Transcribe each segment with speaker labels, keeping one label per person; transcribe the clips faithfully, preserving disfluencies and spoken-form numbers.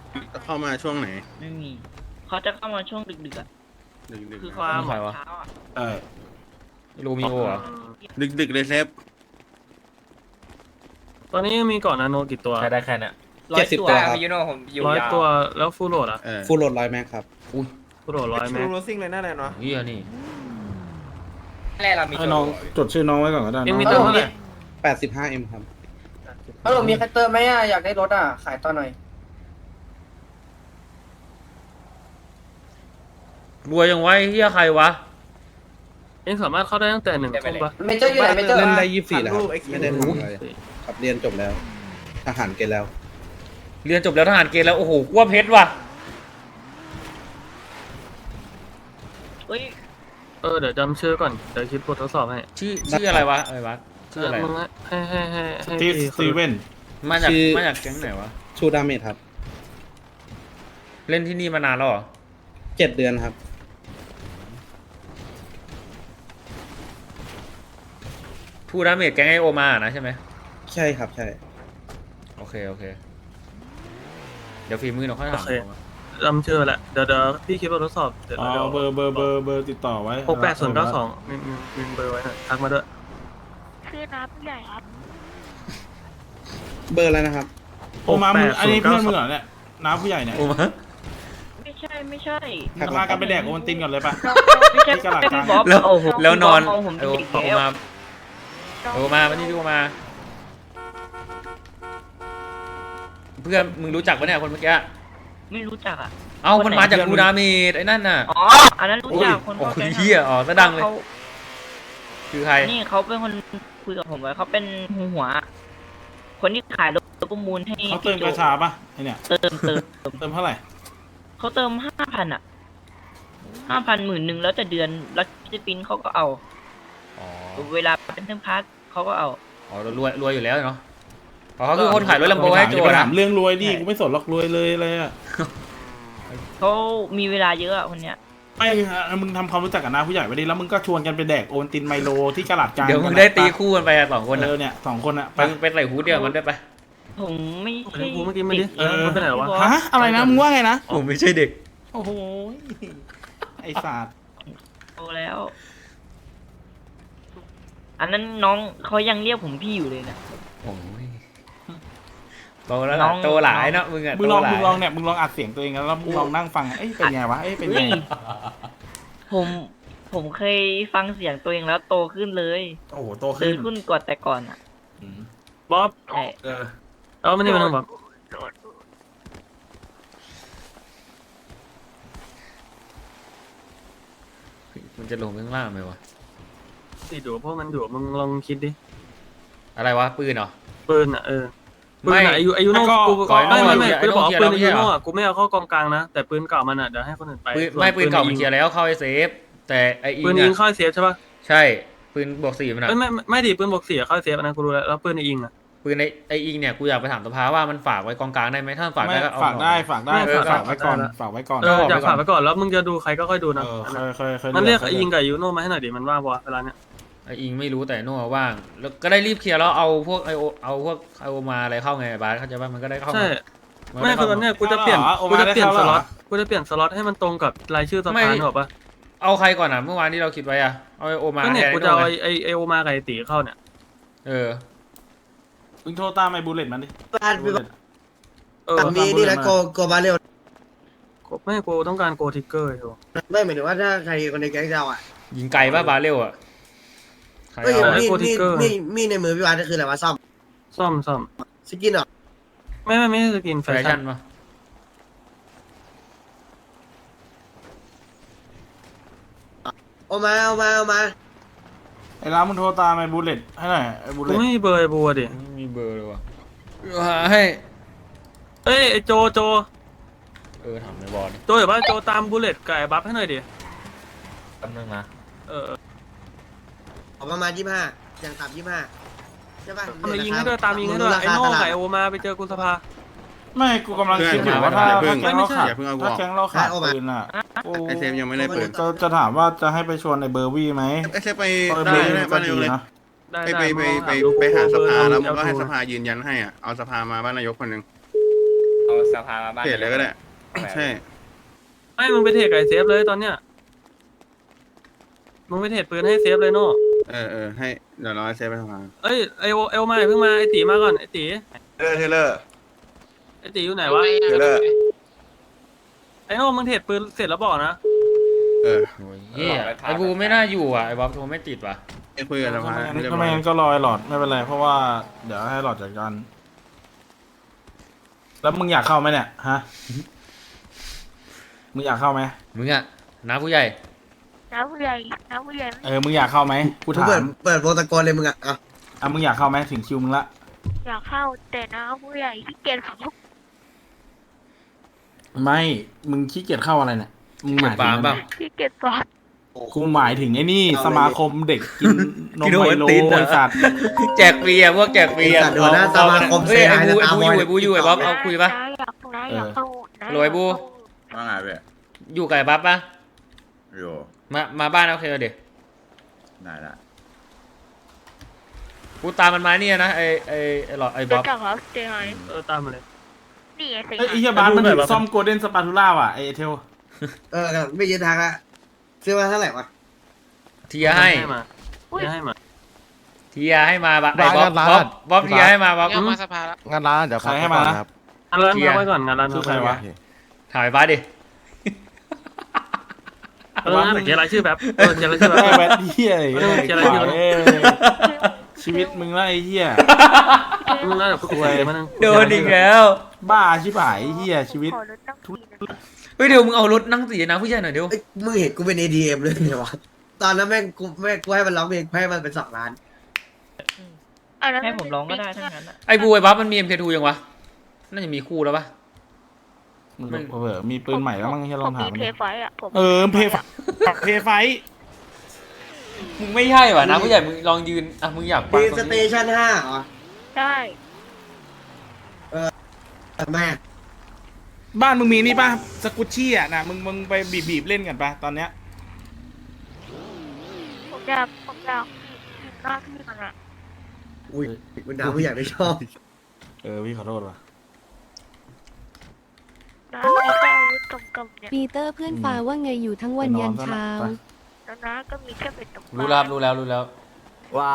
Speaker 1: เข้ามาช่วงไหน
Speaker 2: ไม่มีเขาจะเข้ามาช่วงดึกๆอ่ะ
Speaker 1: ดึก
Speaker 2: คือ
Speaker 1: ๆ
Speaker 2: ความ
Speaker 3: ใครวะ
Speaker 2: เช้าอ่ะ
Speaker 4: เออ
Speaker 3: โรมิโอเหรอ
Speaker 1: ดึกดึกๆเลยเซฟ
Speaker 5: ตอนนี้มีก่อนนาโนกี่ตัว
Speaker 3: ใช้ได้แค่เนี้ย
Speaker 6: ร้อยตัวครับ
Speaker 7: ยูโน่ผมอยู่
Speaker 5: ร้อย
Speaker 7: ยาว
Speaker 5: ตัวแล้วฟูลโหลดอ่ะ
Speaker 1: เออ
Speaker 4: ฟูลโหลดร้อยแม็กครับ
Speaker 5: ฟูลโหลดร้อยแม็ก
Speaker 6: โรซิ่งเลยน่าแน่นอน
Speaker 3: เฮียนี่
Speaker 7: แรกเรามี
Speaker 4: ให้น้องจดชื่อน้องไว้ก่อนก็ได้
Speaker 5: เอ็งมี
Speaker 4: น้
Speaker 5: เติ
Speaker 4: อ
Speaker 5: ม
Speaker 4: ง
Speaker 5: เท่าไหร่
Speaker 4: แปดสิบห้าเอ็มครับ
Speaker 6: ฮัลโหลมีใครเติมไหมอ่ะอยากได้รถอ่ะขายต่อหน่อย
Speaker 3: รวยยังไว้เฮียใครวะ
Speaker 5: เอ็งสามารถเข้าได้ตั้งแต่หนึ่งทุ่มปะ
Speaker 6: เมเจอร์อยู่ไหนเมเจอร์
Speaker 4: เล่นได้ยี่สิบสี่แล้วครับไม่ได้ทำอะไรครับเรียนจบแล้ว ทหารเกณฑ์แล้ว
Speaker 3: เรียนจบแล้วทหารเกณฑ์แล้วโอ้โหกว่าเพชรว่ะ
Speaker 2: เฮ้ย
Speaker 5: เออเดี๋ยวจำชื่อก่อนเดี๋ยวคิดบททดสอบให้
Speaker 3: ชื่อชื่ออะไรวะอะไรวะชื่ออะไร
Speaker 5: มึงให้ให้ให้ให้
Speaker 4: ที่
Speaker 5: พี่
Speaker 4: สตีเวน
Speaker 3: มาจาก
Speaker 4: ชื่อ
Speaker 3: มาจากแก๊งไหนวะ
Speaker 4: ชูดาเมจครับ
Speaker 3: เล่นที่นี่มานานแล้วเหรอ
Speaker 4: เจ็ดเดือนครับ
Speaker 3: ทูดาเมจแก๊งไอโอมานะใช่ไหม
Speaker 4: ใช่ครับใช่
Speaker 3: โอเคโอเคเดี๋ยวฝีมือเราค่อยถาม
Speaker 5: จำชื่อแหละเดี๋ยวเดี๋ยวพี่คิดบททดสอบเดี๋ยว
Speaker 4: เอา
Speaker 5: เดี๋ยว
Speaker 4: เบอร์เบอร์เบอร์เบอร์ติดต่อไว้
Speaker 5: หกแปดศูนย์เก้าสองมีมีมีเบอร์ไว้หน่อยทักมาด้วย
Speaker 8: คือน้าผู้ใหญ่ครับ
Speaker 4: เบอร์อะไรนะครับ
Speaker 9: โอมามึงอันนี้เพื่อนมึงเหรอเนี่ยน้าผู้ใหญ่เนี่ย
Speaker 3: โอมา
Speaker 2: ไม่ใช่ไม่ใช่
Speaker 4: ทัก
Speaker 9: พากันไปแดกโอวัลตินก่อนเลยปะ
Speaker 2: ไม่ใช่
Speaker 9: ที่กระดาษกลาง
Speaker 2: พี่บ๊อบ
Speaker 3: แล้ว
Speaker 2: โอ้โห
Speaker 3: แล้วนอน
Speaker 2: พี่บ๊บมงผม
Speaker 3: ไอ
Speaker 2: เป็น
Speaker 3: โอ
Speaker 2: เด็ก
Speaker 3: โอ
Speaker 2: แล้ว
Speaker 3: มาโอมาวันนี้ดูมา เพื่อนมึงรู้จักปะเนี่ยคนเมื่อกี้
Speaker 2: ไม่รู้จักอ่ะ
Speaker 3: เอ้ามันมาจากทูดาเมจไอ้นั่นน่ะ
Speaker 2: อ๋ออันนั้นรู้จักคน
Speaker 3: โอ้
Speaker 2: เข้าย ใจ
Speaker 3: เฮียอ๋อซะดังเลย
Speaker 2: ขา
Speaker 3: คือใคร
Speaker 2: นี่เขาเป็นคนคุยกับผมไว้เขาเป็นหัวหัว คนที่ขายรถประมูลให้
Speaker 9: เขาเติมกระชาปะไอเนี่ย
Speaker 2: เติมเติม
Speaker 9: เติมเท่าไหร่
Speaker 2: เขาเติมห้าพันอ่ะห้าพันหมื่นหนึ่งแล้วแต่เดือนแล้วจะปินเขาก็เอา
Speaker 3: อ๋อ
Speaker 2: เวลาเป็นเทมพาร์ทเขาก็เอา
Speaker 3: อ๋อรวยรวยอยู่แล้วเนาะอ๋อเขาคือคนขายรถลัมโบให้โจ
Speaker 9: ไป
Speaker 3: นะ
Speaker 9: ถามเรื่องรวยดิกูไม่สนหรอกรวยเลยอะไรอ่ะ
Speaker 2: เขามีเวลาเยอะอะคนเนี้ย
Speaker 9: ไม่มึงทำความรู้จักกับน้าผู้ใหญ่ไปดิแล้วมึงก็ชวนกันไปแดกโอวัลตินไมโลที่กระดาษกลาง
Speaker 3: เดี๋ยวมึงได้ตีคู่กันไปอะสองคน
Speaker 9: เอ
Speaker 3: อ่ะ
Speaker 9: อเนี่ยสองคนอ่ะ
Speaker 3: ไปไปใส่ฮูดเดียวกันได้ปะ
Speaker 2: ผมไม่
Speaker 5: ไอ้
Speaker 2: ใช่
Speaker 5: กูเมื่อกี้ไม่ดิ
Speaker 9: เออ
Speaker 5: มันไปไหนวะ
Speaker 9: ฮะอะไรนะมึงว่าไงนะ
Speaker 3: ผมไม่ใช่เด็ก
Speaker 9: โอ้โหไอศาสตร์
Speaker 2: โตแล้ว อันนั้นน้องเขายังเรียกผมพี่อยู่เลยนะ
Speaker 3: โอ้ยโตแล้ว
Speaker 2: น้
Speaker 3: ล่ะ
Speaker 2: อง
Speaker 3: โตหลายเนาะมึงอะ
Speaker 9: มึงลอง
Speaker 3: โตห
Speaker 9: มึงล
Speaker 3: ลา
Speaker 9: อย งเนี่ยมึงลองอัดเสียงตัวเองแล้วมึงลองนั่งฟังเอ้ยเป็นไงวะเอ้ยเป็นไง
Speaker 2: เฮ้ยผม ผมเคยฟังเสียงตัวเองแล้วโตขึ้นเลย
Speaker 9: โอ้โหโต
Speaker 2: โต
Speaker 9: ขึ้น
Speaker 2: ขึ้นกว่าแต่ก่อนอ่ะ
Speaker 9: อืม
Speaker 5: บ๊อบ
Speaker 2: ใช่
Speaker 9: เออ
Speaker 5: เอาไม่ได้มาหนึ่งบ๊อบ
Speaker 3: มันจะลงไปข้างล่างไหมวะ
Speaker 5: ติดอยู่พวกมันอยู่มึงลองคิดดิ
Speaker 3: อะไรวะปืนเหรอ
Speaker 5: ปืนอ่ะเออปืน
Speaker 3: ไม่
Speaker 5: อ่ะอายุอายุโน่
Speaker 9: ก็
Speaker 5: กู
Speaker 3: ก่อน
Speaker 5: ไม่ไม่
Speaker 3: โน่
Speaker 5: ไม่
Speaker 3: อย่า
Speaker 5: กูจะบอกว่า
Speaker 3: ไอ้
Speaker 5: ปื
Speaker 3: โน่
Speaker 5: น
Speaker 3: เคลี
Speaker 5: อาย
Speaker 3: ร์
Speaker 5: ยุ
Speaker 3: แล้วไม่ใช่เหรอ
Speaker 5: โน่อ่ะกูไม่เอาเข้ากองกลางนะแต่ปืนเก่ามันอ่ะเดี๋ยวให้คนอื่นไป
Speaker 3: ปืน
Speaker 5: ส่วน
Speaker 3: ไม่ปืนเก่ามัน
Speaker 5: ยิง
Speaker 3: เคลียร์แล้วเข้าไอเซฟแต่ไออิง
Speaker 5: ปืนยิง
Speaker 3: อะ
Speaker 5: เข้าเซฟใช่ป่ะ
Speaker 3: ใช่ปืนบวกสี่มันอะ
Speaker 5: ไม่ไม่ไม่ดิปืนบวกสี่เข้าเซฟนะกูรู้แล้วแล้วปืนยิงอ่ะ
Speaker 3: ปืนไอไออิงเนี่ยกูอยากไปถามสภาว่ามันฝากไว้กองกลางได้ไหมถ้าฝาก
Speaker 9: ไม่
Speaker 3: ได้ก็เอา
Speaker 9: ฝากได้ฝากได้
Speaker 5: ไม่
Speaker 9: เออ
Speaker 5: ฝา
Speaker 9: ฝาก กไว้ก่อน
Speaker 5: ได้
Speaker 9: ฝากไว้ก่อน
Speaker 5: เอออยากฝากไปก่อนแล้วมึงจะดูใครก็ค่อยดูนะ
Speaker 9: เออเคยเคยเคย
Speaker 5: มันเรียก
Speaker 9: ค
Speaker 5: ไอ้ยิงกับอายุโน่มาให้หน่อยดิมันว่างปะเวลาเนี้ย
Speaker 3: ไออิงไม่รู้แต่โน่ว่างแล้วก็ได้รีบเคลียร์แล้วเอาพวกไอโอเอาพวกไอโอมาอะไรเข้าไงบาสเข้าใจป่ะมันก็ได้เข้า
Speaker 5: ใช่
Speaker 3: น
Speaker 5: ไม่
Speaker 3: ด้
Speaker 5: คือ
Speaker 3: เข้า
Speaker 5: ตอนเนี้ยกูจะเปลี่ยนกูจะเปลี่ยนสล็อตกูจะเปลี่ยนสล็อตให้มันตรงกับรายชื่อสภาหรอปะ
Speaker 3: เอาใครก่อนอ่ะเมื่อวานที่เราคิดไว้อ่ะเอาไอโอมา
Speaker 5: ก็เนี่ย
Speaker 3: แทน
Speaker 5: กู
Speaker 3: ไอ้
Speaker 5: จะ
Speaker 3: โน่
Speaker 5: เอา
Speaker 3: ไง
Speaker 5: ไอ้ไอโอมากับไอตีเข้าเนี่ย
Speaker 3: เออ
Speaker 9: มึงโทรตามไอ้บูเลตมันดิ
Speaker 6: บ้านพี่บ๊อบ
Speaker 5: เออ
Speaker 6: แต่มีนี่นะโกโกบาเรล
Speaker 5: ไม่กูต้องการโกทิกเกอร์อยู่
Speaker 6: ไม่หมายถึงว่าถ้าใครคนในแก๊งเราอ่ะ
Speaker 3: ยิงไกลป่ะบาเรลอ่ะใคร
Speaker 6: เฮ้ย
Speaker 3: เอา
Speaker 6: มีดมีดมีดมีดในมือพี่วานก็คืออะไรวะซ่อม
Speaker 5: ซ่อมซ่อม
Speaker 6: สกินเหรอ
Speaker 5: ไม่ไม่ไม่ใช่สกินแฟ
Speaker 3: แฟ
Speaker 5: ชั่
Speaker 3: ชั่
Speaker 5: น
Speaker 3: นป่ะ
Speaker 6: เอามาเอามาเอามา
Speaker 9: ไอ้ร้านมึงโทรตามไอ้บูเลตให้หน่อยไอ้บูเล
Speaker 5: กู
Speaker 9: ต
Speaker 5: ไม่มีเบอร์ไอ้บัวดิ
Speaker 3: ไม่มีเบอร์เลยว่ะหาให้
Speaker 5: เอ้ยไอโจโจ
Speaker 3: เออถามในบอล
Speaker 5: โจอย่าบ้าโจตามบูเลตกับไอ้บัฟให้หน่อยดิ
Speaker 3: แป๊บนึงนะ
Speaker 5: เออ
Speaker 6: ออกประมาณยี่สิบห้าอย่างต่ำยี่สิบห้าใช่ป่ะ
Speaker 5: ทำไมยิงให้ด้วยตามยิงให้ด้วยไอ้โน่กับไอโอมาไปเจอกุสภา
Speaker 9: ไม่กูกำลังคิดอยู่ว่าถ้าถ้าแก๊งเราขาด
Speaker 1: อย่าเพิ่งเอากู
Speaker 9: ถ้า
Speaker 1: ออก
Speaker 9: แก๊งเราขาดปืนอ่ะกู
Speaker 1: ไอเซฟยังไม่ได้เปิด
Speaker 9: จะจะถามว่าจะให้ไปชวนไอ้เบอร์วี่ไหม
Speaker 1: ไอเซฟไป
Speaker 9: เพราะ
Speaker 1: ได้
Speaker 9: เบอร์วี่
Speaker 1: ได้
Speaker 9: ก็
Speaker 1: บ้าน
Speaker 9: ดี
Speaker 1: นายกเลย
Speaker 9: นะ
Speaker 5: ได้
Speaker 1: ไป
Speaker 5: ได้
Speaker 1: ไปไปไป
Speaker 5: มึง
Speaker 1: ไปหาสภาแล้วมึงก็ให้
Speaker 5: เอ
Speaker 1: สภายืนยันให้อ่ะเอาสภามาบ้านนายกคนหนึ่ง
Speaker 7: เอาสภามาบ้าน
Speaker 1: เทรดเลยก็ได้ใช่
Speaker 5: ไม่มึงไปเทรดกับไอ้เซฟเลยตอนเนี้ยมึงไปเทรดปืนให้เซฟเลยโน่
Speaker 1: เออเออให้เดี๋ยวรอให้เซฟไปทำงาน
Speaker 5: เอ้ยไอโอเอลมาอย่าเพิ่งมาไอตีมาก่อนไอตี
Speaker 10: เทเลอร์เทเลอร์
Speaker 5: ไอตีอยู่ไหนวะ
Speaker 10: เทเลอร์
Speaker 5: ไอโน่มึงเทรดปืนเสร็จแล้วบอกนะ
Speaker 1: เออ
Speaker 3: โอ้ยเหี้ยไอ้บูไม่น่าอยู่อ่ะไอ้บ๊อบโทรไม่ติดว่ะ
Speaker 1: ไอ้คุยกับสภาไม่เรียบ
Speaker 9: ทำ
Speaker 1: ร้
Speaker 9: ไม
Speaker 1: อย
Speaker 9: งั้นก็รอไอ้หลอดไม่เป็นไรเพราะว่าเดี๋ยวให้หลอดจัดการแล้วมึงอยากเข้าไหมเนี่ยฮะมึงอยากเข้าไหม
Speaker 3: มึงอ่ะน้าผู้ใหญ่
Speaker 8: น้าผู้ใหญ่น้าผู้ใหญ่
Speaker 9: เออมึงอยากเข้าไหมกู
Speaker 6: กู
Speaker 9: ถา
Speaker 6: เปิด
Speaker 9: ม
Speaker 6: เปิดโปรโตโกลเลยมึงอ่ะอ่ะ
Speaker 9: อ่ะมึงอยากเข้าไหมถึงคิวมึงละ
Speaker 8: อยากเข้าแต่น้าผู้ใหญ่ที่เกียจขับ
Speaker 9: ไม่มึงขี้เกียจเข้าอะไรเนี่ยมึงหมายถึ
Speaker 3: ปาง ล์ม
Speaker 9: อะไร
Speaker 3: เปล่า
Speaker 8: ที่เกียจสอบ
Speaker 9: กูหมายถึงไอ้นี่สมาคมเด็กกินนม
Speaker 3: กินโอ
Speaker 9: ไม
Speaker 3: วัล
Speaker 9: โล
Speaker 3: ตินเหรอ
Speaker 9: ไอ้สัตว์
Speaker 3: แจกฟรีอ่ะพวกแจกฟรี
Speaker 6: ไอ้
Speaker 3: อ่ะ
Speaker 6: สัตว์หัวหน้าสมาคม
Speaker 3: เฮ้
Speaker 6: เสี
Speaker 3: ย
Speaker 6: ย
Speaker 3: ไอ้
Speaker 6: หาย
Speaker 3: บู
Speaker 6: นะ
Speaker 3: ไอ้
Speaker 6: ตา
Speaker 3: บู
Speaker 6: บ
Speaker 3: อ
Speaker 6: อล
Speaker 3: ยู่ไอ้บูอยู่ไอ้บ๊อบเอาคุยปะ
Speaker 8: น้าอยากน้าอยากเข้าน้า
Speaker 3: โรยบู
Speaker 10: ว่าไงเว้ย
Speaker 3: อยู่กับไอ้บ๊อบปะ
Speaker 10: อยู่
Speaker 3: มามาบ้านโอเคเดี๋ยว
Speaker 10: ได้ละ
Speaker 3: กูตามมันมาเนี่ยนะไอ้ไอ้ไอ้หลอดไอ้บ๊
Speaker 8: รู้
Speaker 3: อบ
Speaker 8: จักครับเจไฮ
Speaker 5: เออตามมาเลย
Speaker 8: นี่ไงสิ
Speaker 9: เอ้ยไอ้เหี้ยบ้านมันถึงซ่อมโกลเด้นสปาทูล่าว่ะไอ้เทล
Speaker 6: เออไม่ยืนทางละซื้อมาเท่าไหร่วะ
Speaker 3: เทียให้
Speaker 5: มาเทียให้มา
Speaker 3: เทียให้มาบะไอ้บ๊อบบ๊อบบ๊อบเทียให้มาบ๊อบ
Speaker 11: เอามาสภาแล้ว
Speaker 4: งานร้านเดี๋ยว
Speaker 9: ใครให้มานะ
Speaker 4: ครับ
Speaker 5: งานร้าน
Speaker 3: เทีย
Speaker 5: พักไว้ก่อนงานร้าน
Speaker 9: คือใครวะ
Speaker 3: ถ่ายบ้านดิ
Speaker 5: เออเขียนรายชื่อแบบเออเขียนรายชื่อแบบ
Speaker 9: ได้แบทเหี้ยไอ้
Speaker 5: เออเจออะไร
Speaker 9: ขวา
Speaker 5: เจออะไร
Speaker 9: เอ้ยชีวิตมึงละไอ้เหี้ย
Speaker 5: มึงน่าจะคุยมานั่ง
Speaker 3: โดนอีกแล้ว
Speaker 9: บ้าชิบหายไอ้เหี้ยชีวิต
Speaker 8: ขอรถตั้งทีนะ
Speaker 3: เฮ้ยเดี๋ยวมึงเอารถนั่งสีนะผู้ใหญ่หน่อยเดี๋ยว
Speaker 6: เอ้ยมึงเห็นกูเป็น เอ ดี เอ็ม เลยเนี่ยวะตอนนั้นแม่งกูแม่งกูให้มันร้องเพลงให้มันเป็นสองล้าน
Speaker 8: อันนั้น
Speaker 2: ให้ผมร้องก็ได้ทั้งนั้นอะ
Speaker 3: ไอ้บูไอ้บ๊อบมันมี เอ็ม เค ทู ยังวะน่าจะมีคู่แล้วปะ
Speaker 9: มึงเผลอมีปืนใหม่แล้วมั้งให้ลองถาม
Speaker 8: ผ
Speaker 9: มัน
Speaker 8: เพ
Speaker 9: ดิ
Speaker 8: ย์ไฟอ่ะผม
Speaker 9: เออเพย์ไฟเพย์ไฟ
Speaker 3: มึงไม่ใช่ว่ะนะผู้ใหญ่มึงลองยืนอ่ะมึงอยากฟัง
Speaker 6: มี
Speaker 3: ต
Speaker 6: ส
Speaker 3: รง
Speaker 6: เต
Speaker 3: นี้
Speaker 6: ชันห้าเหรอ
Speaker 8: ได้
Speaker 6: แม่
Speaker 9: บ้านมึงมีนี่ป่ะสกุชชี่อ่ะนะมึงมึงไปบีบบีบเล่นกันป่ะตอนเนี้ย
Speaker 8: ผมอยากผมอยากผิดหน้าที่มันอ่ะ
Speaker 6: อุ้ยมันด่าผู้ใหญ่ไม่ชอบ
Speaker 9: เออพี่ขอโทษว่ะ
Speaker 8: น้ามีแค่อาวุธตรงกำเนี่ย
Speaker 12: ปีเตอร์เพื่อนฟ้าว่าไงอยู่ทั้งวันยันเช้า
Speaker 8: แล้วน้าก็มีแค่เป็นตรง
Speaker 3: รู้แล้วรู้แล้วรู้แล้ว
Speaker 11: ว่า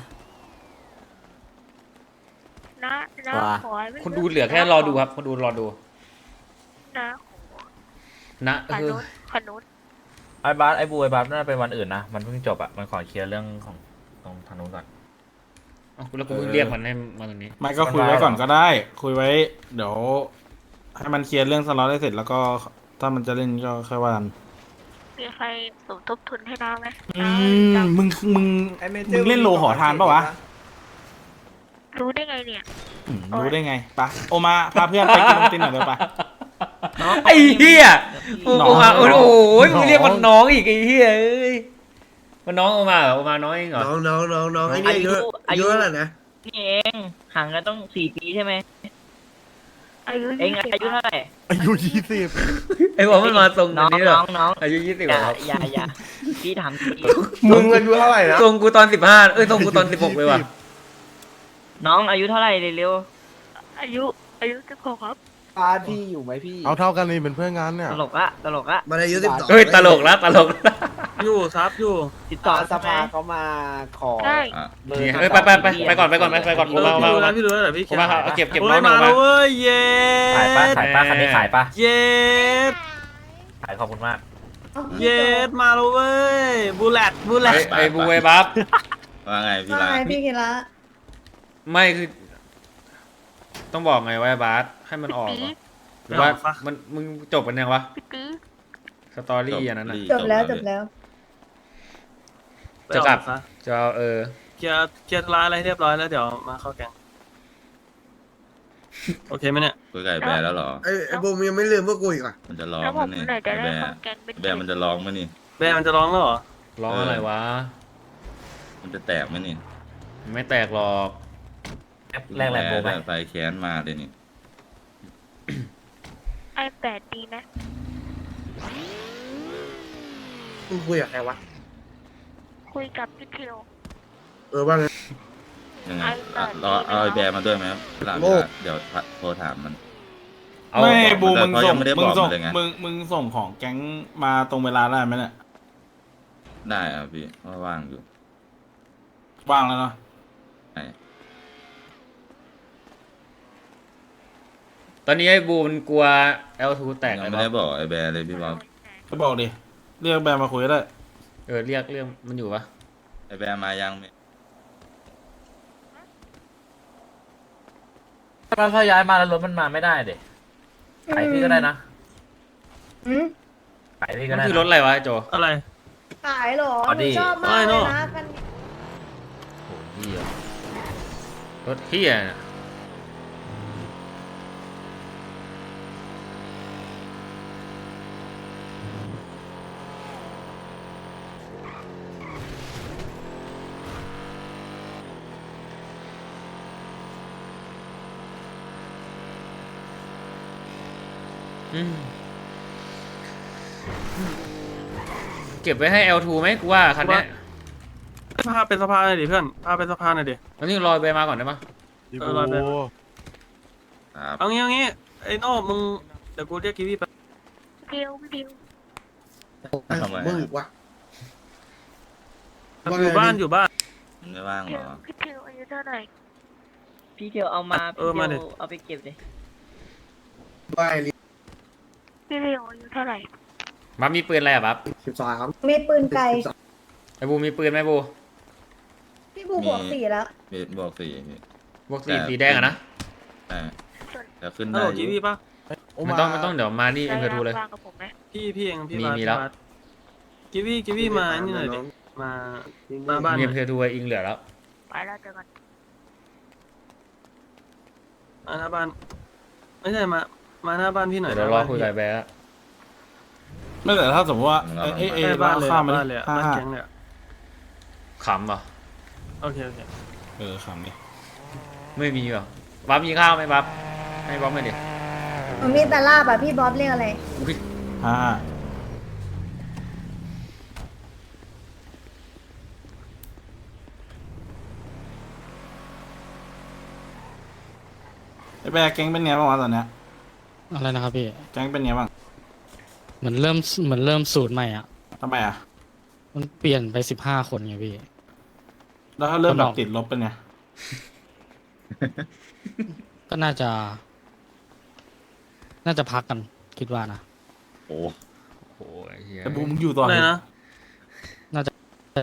Speaker 8: น้าน้าขอให้ไม่
Speaker 3: คนดูเหลือแค่รอดูครับคนดูรอดู
Speaker 8: น้าขอ
Speaker 3: นะ
Speaker 8: ข
Speaker 3: เออ
Speaker 8: นุนขนุน
Speaker 11: ไอ้บาสไอ้บูไอ้บาสน่าจะเป็นวันอื่นนะ มันเพิ่งจบอ่ะ มันขอเคลียร์เรื่องของตรงทางนู้นก่อน
Speaker 3: เอาแล้วกูเพิ่งเรียกมันให้มาตรงนี้
Speaker 9: ไม่ก็คุยไว้ก่อนก็ได้ คุยไว้ เดี๋ยวให้มันเคลียร์เรื่องสล็อตได้เสร็จแล้วก็ถ้ามันจะเล่นก็ค่อยว่ากัน
Speaker 8: มีใครสมทบทุนให้น้าไหม
Speaker 9: อื
Speaker 8: น้าม
Speaker 9: มึงมึงมึงเล่นโลหอทานปะวะ
Speaker 8: รู้ได้ไงเนี่ย
Speaker 9: อืมรู้ได้ไงปะโอมาพาเพื่อนไปกินนมตินหน่อยเดี๋ยวปะ
Speaker 3: ไอ้เหี้ยโอ้
Speaker 9: น้อง
Speaker 3: โอมาโอ้โห
Speaker 9: น้อง
Speaker 3: มึงเรียกมันน้องอีกไอ้เหี้ยเอ้ยมันน้องโอมาเหรอโอมาน้องเองเหรอ
Speaker 6: น้องน้องน้องน้องไอ้นี่อายุอายุเท่าไหร่นะ
Speaker 2: นี่เองห่างกันต้องสี่ปีใช่ไหม
Speaker 8: อายุ
Speaker 2: เอง
Speaker 8: ยี่สิบ
Speaker 2: อายุเท่าไหร่
Speaker 4: อายุยี่สิบ
Speaker 3: ไอ้บอกมันมาทรง
Speaker 2: น้อง
Speaker 3: นี้เหร
Speaker 2: น้
Speaker 3: อ
Speaker 2: องน้อง
Speaker 3: อายุยี่สิบ
Speaker 2: อย่า
Speaker 3: ครับ
Speaker 2: อย่าอย่าพี่ถามจริง
Speaker 10: มึงอายุเท่าไหร่นะ
Speaker 3: ทรงกูตอนสิบห้าเอ้ยทรงกูตอนสิบหกเลยว่ะ
Speaker 2: น้องอายุเท่าไหร่เร็ว
Speaker 8: อายุอายุสิบหกครับ
Speaker 11: บาสพี่อยู่ไหมพี่
Speaker 4: เอาเท่ากันเลยเป็นเพื่อนกันเนี่ย
Speaker 2: ๆตลกละตลกละ
Speaker 6: มันอายุสิบสอง
Speaker 3: เฮ้ยตลกละตลกละ
Speaker 5: อยู่ซับอยู่
Speaker 2: ติดต่อ
Speaker 11: สภาเขามาขอ
Speaker 8: ได้
Speaker 11: เบอร์
Speaker 3: นี่เอ้ยไปไปไปไปก่อนไปก่อนไปไปก่อน
Speaker 5: เอ
Speaker 3: ผม
Speaker 5: อ
Speaker 3: มา
Speaker 5: พี่
Speaker 3: มา
Speaker 5: รู้แล้
Speaker 3: มาว
Speaker 5: พี่รู้แล้วเดี๋ยวพี่
Speaker 3: ผมมาเอาเก็บเก็บ
Speaker 5: โอ้
Speaker 3: น้อย งหน่
Speaker 5: มา
Speaker 3: อย
Speaker 5: แล้ว
Speaker 3: มา
Speaker 5: เว้ยเย้
Speaker 11: ขายปะขายปะคันนี้ขายปะ
Speaker 5: เย้
Speaker 11: ขายขอบคุณมาก
Speaker 5: เย้มาแล้วเว้ยบูเลตบูเล
Speaker 3: ไอ้
Speaker 5: ต
Speaker 3: ไอ้บูไอ้บัฟ
Speaker 10: ว่าไงพี่ลา
Speaker 12: พี่กิระ
Speaker 3: ไม่คือ ต้องบอกไงว่าไอ้บาสให้มันออกเหรอหรือว่ามันมึงจบกันยังวะ
Speaker 8: พี่ตี
Speaker 3: สตอรี่อันนั้นน่ะ
Speaker 10: จบแล้วจบแล้ว
Speaker 3: จะกลับ
Speaker 5: ซะ
Speaker 3: จะเอาเออ
Speaker 5: เคลียร์เคลียร์ธุร้ายอะไรให้เรียบร้อยแล้วเดี๋ยวมาเข้าแกงโอเคไหมเนี่ย
Speaker 10: คุยกับไอ้แบร์แล้วเหรอ
Speaker 6: ไอ้ไอ้บูมยังไม่ลืมพวกกูอีกอ่ะ
Speaker 10: มันจะร้อง
Speaker 8: แล้วผ
Speaker 10: มั้
Speaker 8: ม
Speaker 10: ยนี่
Speaker 8: ไหนจะ
Speaker 10: ไอ้
Speaker 8: ได้
Speaker 10: แบร์
Speaker 8: เข้าแกงเป็น
Speaker 10: แบร์มันจะร้องมั้ยนี่
Speaker 5: แบร์มันจะร้องแล้วเหรอ
Speaker 3: ร้องอะไรวะ
Speaker 10: มันจะแตกมั้ยนี่
Speaker 3: ไม่แตกหรอก
Speaker 11: แรกแรกโบไหม
Speaker 10: ไฟแค้นมาเลยนี่
Speaker 8: ไอแปดดีไหม
Speaker 6: มึงคุยกับใครวะ
Speaker 8: คุยกับพี่เทียว
Speaker 6: เออว่าไง
Speaker 10: ยังไง
Speaker 8: ไอ้
Speaker 10: อ่ะ
Speaker 8: แบบ
Speaker 10: รอเอาไอ้แบร์มาด้วยไหมครับหลัง
Speaker 6: โอ้
Speaker 10: เดี๋ยวโทรถามมัน
Speaker 3: เเอา
Speaker 9: ไม่
Speaker 10: บอก
Speaker 9: บู
Speaker 10: มา
Speaker 9: มึง
Speaker 10: แต่เขา
Speaker 9: ส่
Speaker 10: ยัง งไม่ได้
Speaker 9: มึ
Speaker 10: บ
Speaker 9: ง
Speaker 10: อก
Speaker 9: ส่ง
Speaker 10: มาเลยไง
Speaker 9: มึงมึงส่งของแก๊งมาตรงเวลาได้ไหมเนี่ย
Speaker 10: ได้อ่ะพี่ว่าว่างอยู่
Speaker 9: ว่างแล้วเนาะ
Speaker 10: ไหน
Speaker 3: ตอนนี้ไอ้บูมันกลัว แอล ทู แตก
Speaker 10: ยั
Speaker 3: ไอ้
Speaker 10: งไม่
Speaker 3: บ๊อ
Speaker 10: ได้
Speaker 3: บ
Speaker 10: บอกไอ้แบร์เลยพี่บ๊อบ
Speaker 9: ก็บอกดิเรียกแบมมาคุยก็ได้
Speaker 3: เออเรียกเรียกมันอยู่ปะ
Speaker 10: ไอ้แบร์มายังไม่
Speaker 11: ถ้าถ้าย้ายมาแล้วรถมันมาไม่ได้เด็กขายพี่ก็ได้นะ
Speaker 8: อืม
Speaker 11: ขายพี่ก็
Speaker 3: มัน
Speaker 11: ได้
Speaker 3: คือ
Speaker 11: นะ
Speaker 3: รถอะไรวะไอ้โจ
Speaker 5: อะไร
Speaker 8: ขายเหรอ
Speaker 11: อ๋อดี
Speaker 8: ชอบมากเลยนะกัน
Speaker 3: โอ้เหี้ยรถเหี้ยน่ะอืมเก็บไว้ให้ แอล ทู ไหมกูว่าคันเนี้ย
Speaker 5: พาเป็นสะพานหน่อยดิเพื่อนพาเป็นสะพานหน่อยดิ
Speaker 3: ตอนนี้รอไปมาก่อนได้ปะ
Speaker 5: เออรอไป
Speaker 10: ครับ
Speaker 5: เอางี้เอางี้ไอ้โน่มึงเดี๋ยวกูเรียกกีวีไป
Speaker 8: เดียวเดียว
Speaker 10: ทำไม
Speaker 6: มึง
Speaker 10: อะ
Speaker 6: วะ
Speaker 5: อยู่บ้านอยู่บ้าน
Speaker 10: มันไม่ว่าง
Speaker 8: เดี
Speaker 10: เหร
Speaker 8: ยว
Speaker 10: อ
Speaker 8: พี่เดียวอายุเท่าไหร่
Speaker 2: พี่เทียวเอามา
Speaker 5: เอ
Speaker 2: พี่
Speaker 5: อ
Speaker 2: เที
Speaker 5: มา
Speaker 2: ยว
Speaker 5: ดิ
Speaker 2: เอาไปเก็บเลย
Speaker 6: บ้านลิ
Speaker 8: พี่เดียวอายุเท่าไหร่
Speaker 3: บับมีปืนอะไรอ่ะบับ
Speaker 6: สิบสาม
Speaker 8: มีปืนไกล
Speaker 3: ไอ้บูมีปืนไหมบู
Speaker 8: พี่บูบวกสี่แล้ว
Speaker 10: มีบอกสี่พี่
Speaker 3: บวกสีสีแดงอะนะ
Speaker 10: ใช่แต่ขึ้น
Speaker 5: ฮัล
Speaker 10: ได้
Speaker 5: โหล
Speaker 10: อ
Speaker 5: กี
Speaker 10: ยู่
Speaker 5: วีปะ
Speaker 3: ไม่ต้องไม่ต้องเดี๋ยวมานี่เอ็มเคทูเลย
Speaker 8: ว่างกับผมไหม
Speaker 5: พี่พี่เองพี่
Speaker 3: มี
Speaker 5: บาส
Speaker 3: มี
Speaker 5: พี่
Speaker 3: แล้ว
Speaker 5: บาสกีวีกีวีมานี่หน่อยดิมามาบ้านห
Speaker 3: มี
Speaker 5: น่
Speaker 3: เอ็
Speaker 5: อ
Speaker 3: ม
Speaker 5: ย
Speaker 3: เคทูไอ้อิงเหลือแล้ว
Speaker 8: ไปแล้วเจอกัน
Speaker 5: มาหน้าบ้านไม่ใช่มามาหน้าบ้านพี่หน่อย
Speaker 3: เดี๋ยว
Speaker 5: นะ
Speaker 3: เรารอ
Speaker 5: บ้าน
Speaker 3: คุย
Speaker 5: พี่
Speaker 3: กับไอ้แบร์
Speaker 9: ไม่แต่ถ้าสมมติว่าเอ้ยเอ้ยเอ้ย
Speaker 5: ใช่บ้านเลย
Speaker 9: ข้ามมา
Speaker 5: บ้าน
Speaker 9: ดิ
Speaker 5: เลยอะ
Speaker 9: ห้า
Speaker 5: บ้าน
Speaker 9: ห้า
Speaker 5: แก๊งเลยอะ
Speaker 3: ขำเหรอ
Speaker 5: โอเคโอเค
Speaker 9: เออขำดิ
Speaker 3: ไม่มีเหรอบับมีข้าวไหมบับให้บับไม่ดิ
Speaker 8: มันมีแต่ลาบอ่ะพี่บ๊อบเรียกอะไร
Speaker 3: อุ๊ย
Speaker 9: ห้าห้าไอ้แบกแก๊งเป็นไงบ้างวะตอนเนี้ย
Speaker 13: อะไรนะครับพี่
Speaker 9: แก๊งเป็นไงบ้าง
Speaker 13: เหมือนเริ่มเหมือนเริ่มสูตรใหม่อ่ะ
Speaker 9: ทำไมอ่ะ
Speaker 13: มันเปลี่ยนไปสิบห้าคนไงพี่
Speaker 9: แล้วถ้าเริ่ม
Speaker 13: มัน
Speaker 9: แบ
Speaker 13: อบ อก
Speaker 9: ติดลบเป็นไง
Speaker 13: ก็น่าจะ น่าจะพักกันคิดว่านะ
Speaker 10: โอ้
Speaker 3: โอ้ยเหี้ย
Speaker 9: ไอ้บูมมึงอยู่ต่อ
Speaker 5: อะไร
Speaker 9: ดิ
Speaker 5: นะ
Speaker 13: น่าจะ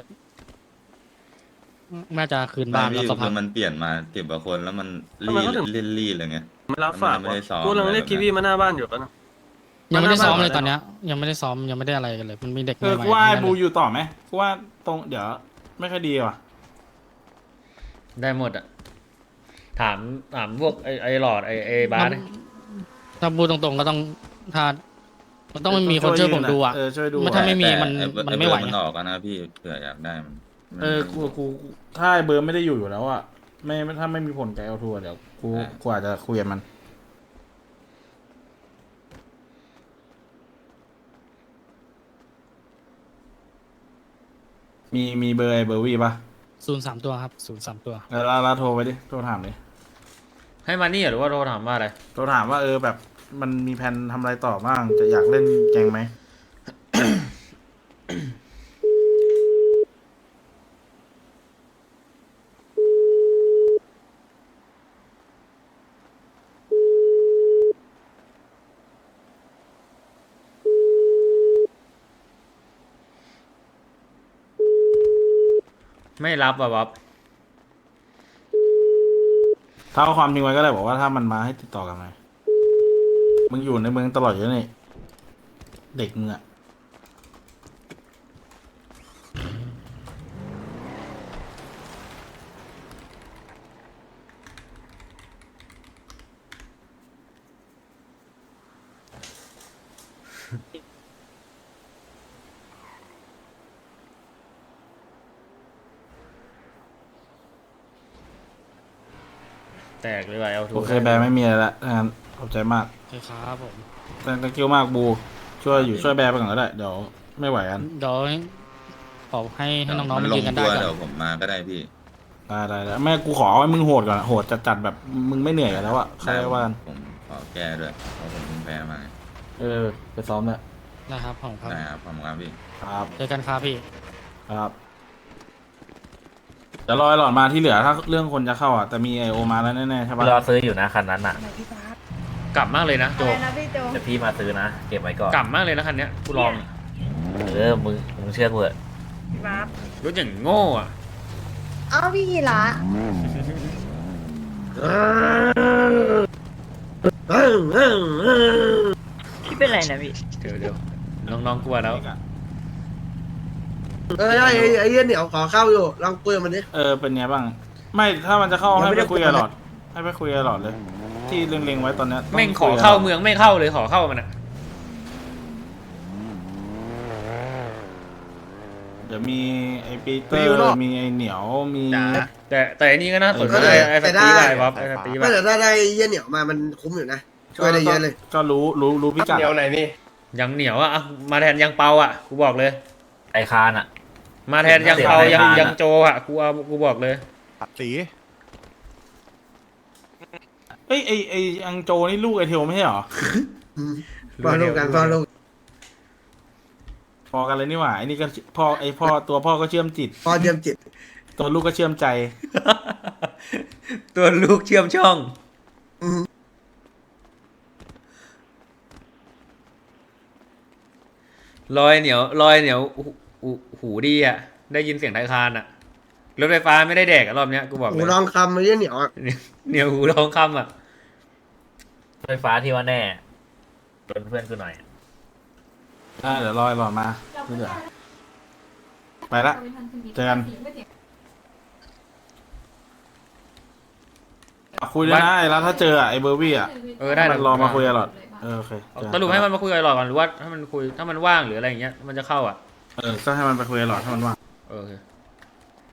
Speaker 13: น่าจะคืน
Speaker 10: บ้า
Speaker 13: บ้าน น
Speaker 10: พี่
Speaker 13: แล้วก็
Speaker 10: คื
Speaker 13: พัก
Speaker 10: อมันเปลี่ยนมาเก็บกว่าคนแล้วมัน
Speaker 5: ทำไม
Speaker 10: รีด
Speaker 5: เขาถึง
Speaker 10: รีดรีดอะไรเงี้ย
Speaker 5: ไม่รับฝาก
Speaker 10: มันไม่ได้ซ้อม
Speaker 5: กูกำลังเรียกกีวีมาหน้าบ้านอยู่ปะนะ
Speaker 13: ยังไม่ได้ซ้อมเลย
Speaker 5: มาหน้าบ้าน
Speaker 13: ตอนเนี้ย ยังไม่ได้ซ้อมยังไม่ได้อะไรกันเลย มันมีเด็ก
Speaker 9: เออ
Speaker 13: ใหม่
Speaker 9: กูว่าไอ้
Speaker 13: ๆ
Speaker 9: บู
Speaker 13: ทั้งนั้นเลย
Speaker 9: อยู่ต่อไหมกูว่าตรงเดี๋ยวไม่ค่อยดีว่ะ
Speaker 3: ได้หมดอ่ะถามถามพวกไอ้ไอ้หลอดไอ้ไอ้บาส
Speaker 13: มันถ้าพูดตรงๆก็ต้องถ้ามันต้องไม่มีคนช่วยผมดูอ่ะ
Speaker 9: เออช่วยดู
Speaker 13: มันถ้าไม่มี
Speaker 10: แต่
Speaker 13: มัน
Speaker 10: อ้เบอร์
Speaker 13: มันไม่ไหว
Speaker 10: อ้เบอร์มัน
Speaker 13: ไง
Speaker 10: ออกอะนะพี่เผื่ออยากได้มันมัน
Speaker 9: เออกูกูถ้าไอ้เบอร์ไม่ได้อยู่อยู่แล้วอ่ะไม่ถ้าไม่มีผลกับเอลทัวร์เดี๋ยวกูกูอาจจะคุยกับมัน มีมีเบอร์ไอ้เบอร์วีป่ะ
Speaker 13: ศูนย์สามตัวครับศูนย์สามตัว
Speaker 9: แล้วแล้วแล้วโทรไปดิโทรถามดิ
Speaker 3: ให้มานี่เหรอหรือว่าโทรถามว่าอะไร
Speaker 9: โทรถามว่าเออแบบมันมีแผนทำอะไรต่อบ้างจะอยากเล่นแกงไหม
Speaker 3: ไม่รับอ่ะบับ
Speaker 9: ถ้าเอาความจริงไว้ก็ได้บอกว่าถ้ามันมาให้ติดต่อกันไหมมึงอยู่ในเมืองตลอดอยู่แล้วนี่เด็กมึงอะ
Speaker 3: แตกเลยว่ะเอลทู
Speaker 9: โอเคแบร์ไม่มีอะไรละงั้นขอบใจมาก
Speaker 13: โอเคครับผม
Speaker 9: แต่ตะกิ้วมากบู ช่วยอยู่ช่วยแบร์ไปก่อนก็ได้ เดี๋ยวไม่ไหวกัน
Speaker 13: เดี๋ยวขอให้ให้น้องๆ
Speaker 10: มั
Speaker 13: มา
Speaker 10: ล
Speaker 13: ยื
Speaker 10: ง
Speaker 13: นกันได้
Speaker 10: ตัว
Speaker 13: ก่อน
Speaker 10: เดี๋ยวผมมาก็ได้พี่
Speaker 9: ได้ได้ได้แม่กูขอให้มึงโหดก่อนอะโหดจัดจัดๆแบบมึงไม่เหนื่อยกันแล้วอะใครว่ากัน
Speaker 10: ผมขอแก้ด้วยเพราะผมเพิ่งแพ้มาไง
Speaker 9: เออไปซ้อมเนี่ย
Speaker 13: นะครับของครับ
Speaker 10: ได้ครับขอบคุณครับพี่
Speaker 9: ครับ
Speaker 13: เจอกันครับพี่
Speaker 9: ครับจะรอไอ้หลอดมาที่เหลือถ้าเรื่องคนจะเข้าอ่ะแต่มีไอโอมาแล้วแน่ๆใช่ปะ
Speaker 11: รอซื้ออยู่นะคันนั้นอ่ะ
Speaker 8: ไหนพี่บาส
Speaker 3: กลับมากเลยนะโจ
Speaker 8: อะไรนะพี่โจ
Speaker 11: เดี๋ยวพี่มาซื้อนะเก็บไว้ก่อน
Speaker 3: กลับมากเลยนะคันเนี้ยกูลอง
Speaker 11: เออมึงมึงเชื่อกูเถอะ
Speaker 8: พี่บาส
Speaker 3: รถอย่างโง่อะ
Speaker 8: เอ้าพี่กีระ
Speaker 2: พี่เป็นไรนะพี่
Speaker 3: เดี๋ยวเดี๋ยวน้องๆกลัวแล้ว
Speaker 6: เออไอ้ไอ้ไอ้เหี้ยเหนียวขอเข้าอยู่ลองคุยกับมันดิ
Speaker 9: เออเป็นไงบ้าง ไม่ถ้ามันจะเข้า
Speaker 6: ยัง
Speaker 9: ให้
Speaker 6: ไม่
Speaker 9: ไป
Speaker 6: ได้
Speaker 9: คุยกับหลอด ให้ไปคุยกับหลอดเลย ที่เล็งๆไว้ตอนเนี้ยต้
Speaker 3: แม่งขอ
Speaker 9: คุยกับ
Speaker 3: เข้า
Speaker 9: หลด
Speaker 3: เมืองไม่เข้าเลยขอเข้ามันอะ
Speaker 9: เดี๋ยวมีไอปีเตอร์มีไอเหนียวมี
Speaker 3: แต่แต่อันนี้ก็น่าสนใจ
Speaker 9: เออ
Speaker 3: ไอ้สตีไอ้บ๊อบไอ้สตี
Speaker 6: ไม่
Speaker 3: แบบ
Speaker 6: แต่ถ้าได้เหี้ยเหนียวมามันคุ้มอยู่นะช่วยได้เยอะเลย
Speaker 9: ก็รู้รู้รู้พิกัด
Speaker 3: ยังเหนียวอะอ่ะมาแทนยังเปาอะกูบอกเลย
Speaker 11: ไอคานอ่ะ
Speaker 3: มาแทนยังเปา
Speaker 11: เสีย
Speaker 3: ยัง
Speaker 11: ดาย
Speaker 3: ยังโจอะกูเอากูบอกเลย
Speaker 1: สี
Speaker 9: เอ้ยไอไออังโจนี่ลูกไอเทลไม่ใช่เหรอ
Speaker 6: พอลูกกันพอลูก
Speaker 9: พอกันเลยนี่หว่าไอนี่ก็พ่อไอพ่อตัวพ่อก็เชื่อมจิต
Speaker 6: พอเยี่ยมจิต
Speaker 9: ตัวลูกก็เชื่อมใจ
Speaker 3: ตัวลูกเชื่อมช่อง
Speaker 6: อืม
Speaker 3: ลอยเหนียวลอยเหนียวหูหูหูดีอะได้ยินเสียงไทยคานอะรถไฟฟ้าไม่ได้แดกอะรอบเนี้ยกูบอก
Speaker 6: หู
Speaker 3: เลย
Speaker 6: ลองคำไอ้เหี้ยเหนียวอ่ะ
Speaker 3: เหนียวหูทองคำอะ
Speaker 11: ไฟฟ้าที่ว่าแน่ชวนเพื่อนกูหน่อย
Speaker 9: อ่าเดี๋ยวรอไอหลอดมาที่เหลือไปละเจอกันอ่ะคุยด้วยนะไอ้แล้วถ้าเจออ่ะไอเบอร์วี่อ่ะ
Speaker 3: เออได้
Speaker 9: มันรอมาคุยกับหลอดเออโอเคเจอ
Speaker 3: สรุปให้มันมาคุยกับหลอดก่อนหรือว่าถ้ามันคุยถ้ามันว่างหรืออะไรอย่างเงี้ยมันจะเข้าอะ
Speaker 9: เออก็ให้มันไปคุยกับหลอดถ้ามันว่าง
Speaker 3: เออโอเค